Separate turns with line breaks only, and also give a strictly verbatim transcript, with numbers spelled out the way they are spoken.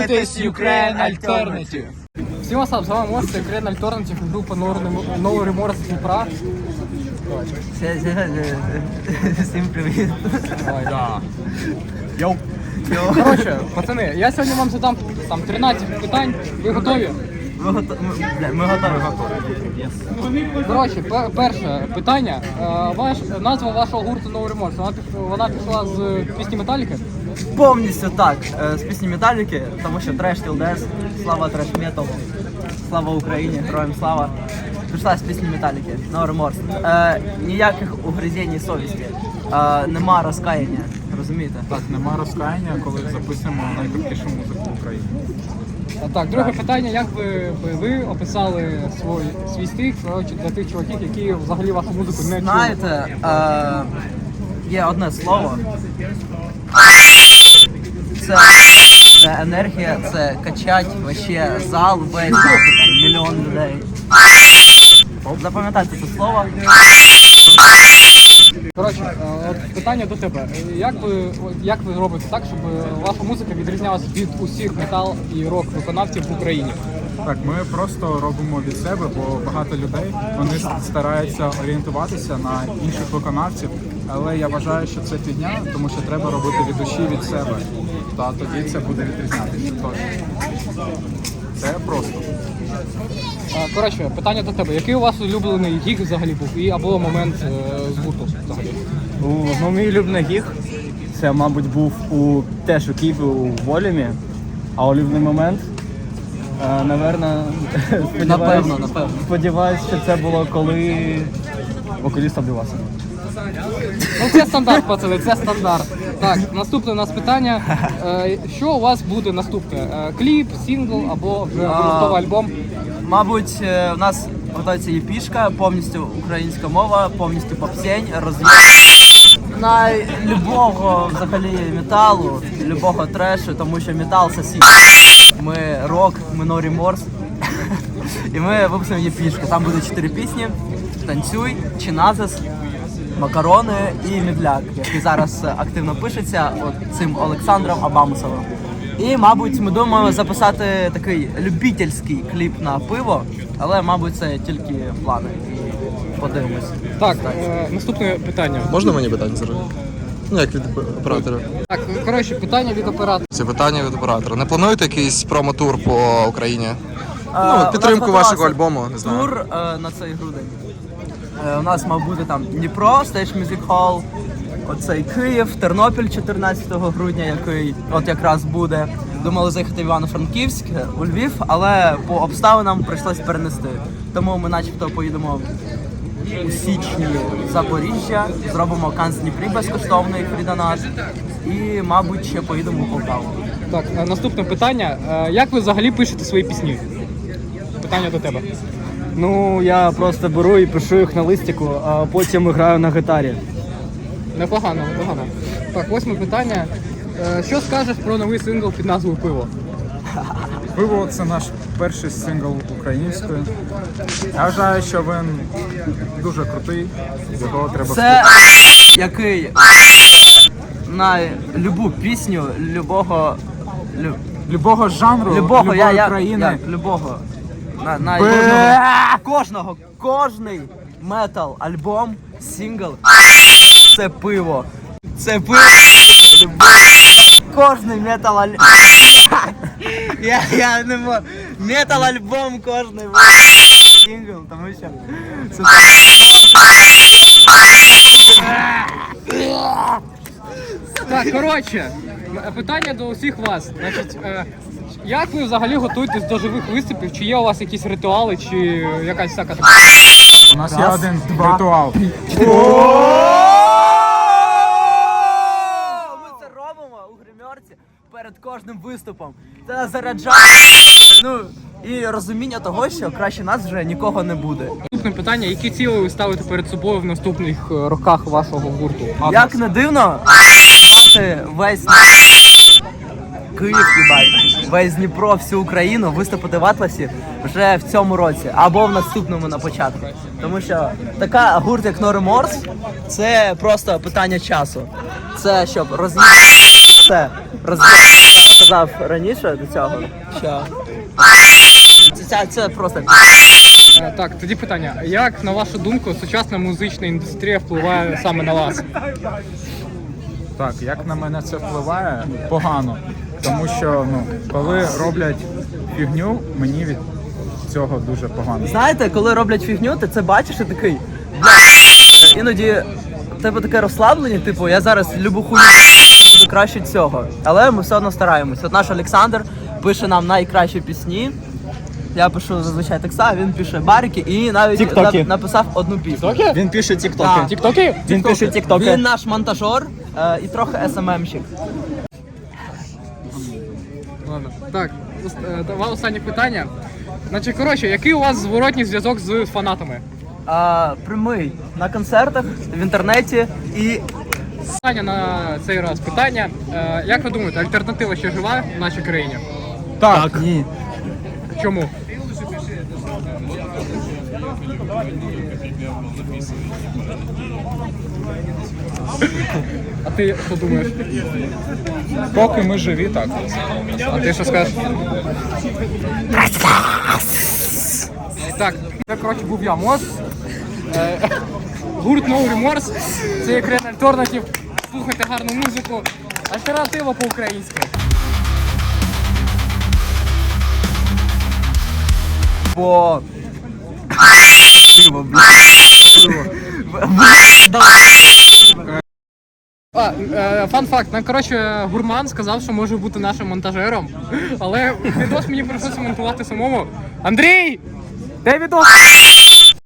Дивитесь Ukraine Alternative.
Всім вас з вами Мост, це Ukraine Alternative, група No Remorse з Дніпра.
Всім привіт.
Йоу. Коротше, пацани, я сьогодні вам задам там тринадцять питань. Ви готові?
Ми готові. Ми готові.
Коротше, пер перше питання. Ваш, назва вашого гурту No Remorse, вона, вона пішла з пісні Металіки?
Повністю так, з пісні Металіки, тому що треш till death, слава треш металу, слава Україні, героям слава. Пішла з пісні Металіки, No Remorse. Е, ніяких угризень совісті, е, нема розкаяння, розумієте?
Так, нема розкаяння, коли записуємо найкрутішу музику в Україні.
Так, друге питання, як ви, ви, ви описали свій, свій стиль, коротше, для тих чуваків, які взагалі вашу музику не чують?
Знаєте, е, є одне слово. Це, це енергія, це качать вообще зал весь, там, мільйон людей. Запам'ятайте це слово.
Коротше, от питання до тебе. Як ви, як ви робите так, щоб ваша музика відрізнялася від усіх метал і рок виконавців в Україні?
Так, ми просто робимо від себе, бо багато людей вони стараються орієнтуватися на інших виконавців, але я вважаю, що це фігня, тому що треба робити від душі від себе. Та тоді це буде відрізнятися. Тож це просто.
Коротше, питання до тебе. Який у вас улюблений гіг взагалі був і або момент е, з гурту взагалі?
Ну, мій улюблений гіг, це, мабуть, був у теж у Києві у Волюмі, а улюблений момент, е, наверно,
Напевно, напевно.
сподіваюсь, що це було, коли вокаліст обдивався.
Ну це стандарт, пацани, це стандарт. Так, наступне у нас питання. Е, що у вас буде наступне? Е, кліп, сингл або вже готовий альбом?
Мабуть, е, у нас готується єпішка, повністю українська мова, повністю попсень, роз'єм. На любого взагалі металу, любого трешу, тому що метал сосід. Ми рок, ми No Remorse. І ми випустимо єпішку. Там буде чотири пісні: Танцюй, Чиназис, Макарони і Медляк, який зараз активно пишеться от цим Олександром Абамусовим. І, мабуть, ми думаємо записати такий любительський кліп на пиво, але, мабуть, це тільки плани. Подивимось.
Так, е, наступне питання.
Можна мені питання зараз? Ну, як від оператора.
Так, коротше, питання від оператора.
Це питання від оператора. Не плануєте якийсь промо-тур по Україні?
Е,
Ну, підтримку
у нас
вашого
готувався
альбому, не знаю.
Тур е, на цей грудень. Е, у нас мав бути там Дніпро, Stage Music Hall, оцей Київ, Тернопіль чотирнадцятого грудня, який от якраз буде. Думали заїхати в Івано-Франківськ, у Львів, але по обставинам прийшлось перенести. Тому ми начебто поїдемо у січні в Запоріжжя, зробимо канц Дніпрі безкоштовний фрідонат і, мабуть, ще поїдемо у Полтаву.
Так, е, наступне питання. Е, як ви взагалі пишете свої пісні? Питання до тебе.
Ну, я просто беру і пишу їх на листику, а потім граю на гітарі.
Непогано, непогано. Так, восьме питання. Е, що скажеш про новий сингл під назвою «Пиво»?
Пиво – це наш перший сингл українською. Я вважаю, що він дуже крутий, його треба
Це який на любу пісню, любого лю,
любого жанру,
любого
любої
я, я,
країни.
я, любого на, на
Бе-
кожного, кожного, кожний метал альбом, сингл це пиво. Це пиво. Кожний метал альбом. Я, я не можу. Метал альбом кожний сингл, тому що це
Так, коротше, м- питання до усіх вас. Значить, е, як ви взагалі готуєтесь до живих виступів? Чи є у вас якісь ритуали, чи якась всяка така?
У нас є один ритуал.
Ми це робимо у гримерці перед кожним виступом. Це нас заряджає. Ну і розуміння того, що краще нас вже нікого не буде.
Наступне питання, які цілі ви ставите перед собою в наступних е, роках вашого гурту?
Як не дивно, мати весь Київ, їбать, весь Дніпро, всю Україну виступити в Атласі вже в цьому році або в наступному на початку. Тому що така гурт, як No Remorse, це просто питання часу. Це щоб роз'їхати все, роз'їхати казав раніше до цього. Що? Це, це, це просто.
Е, Так, тоді питання. Як, на вашу думку, сучасна музична індустрія впливає саме на вас?
Так, як на мене це впливає? Погано. Тому що ну, коли роблять фігню, мені від цього дуже погано.
Знаєте, коли роблять фігню, ти це бачиш і такий. Бля, іноді в тебе таке розслаблення, типу, я зараз любу хуйню буду краще цього. Але ми все одно стараємось. От наш Олександр пише нам найкращі пісні. Я пишу зазвичай текста, він пише барики і навіть
Тіктоки.
на- написав одну пісню.
Він пише тіктоки.
Так.
Тіктоки?
Він пише тіктоки.
Він наш монтажер е, і трохи ес ем ем-щик.
Ладно. Так, ос- е, два останні питання. Значить, коротше, який у вас зворотній зв'язок з фанатами?
А, прямий на концертах, в інтернеті і
Питання на цей раз. Питання. Е, Як ви думаєте, альтернатива ще жива в нашій країні?
Так,
ні.
Чому? А ти що думаєш?
поки ми живі, так.
А ти що скажеш? Так, це коротше був я Мос. Е, Гурт No Remorse. Це є Крен Альтернатив. Слухайте гарну музику. Альтернатива по-українськи.
Бо.
А, е, фан факт, нам, коротше, гурман сказав, що може бути нашим монтажером, але відос мені прийшлося монтувати самому. Андрій! Де відос?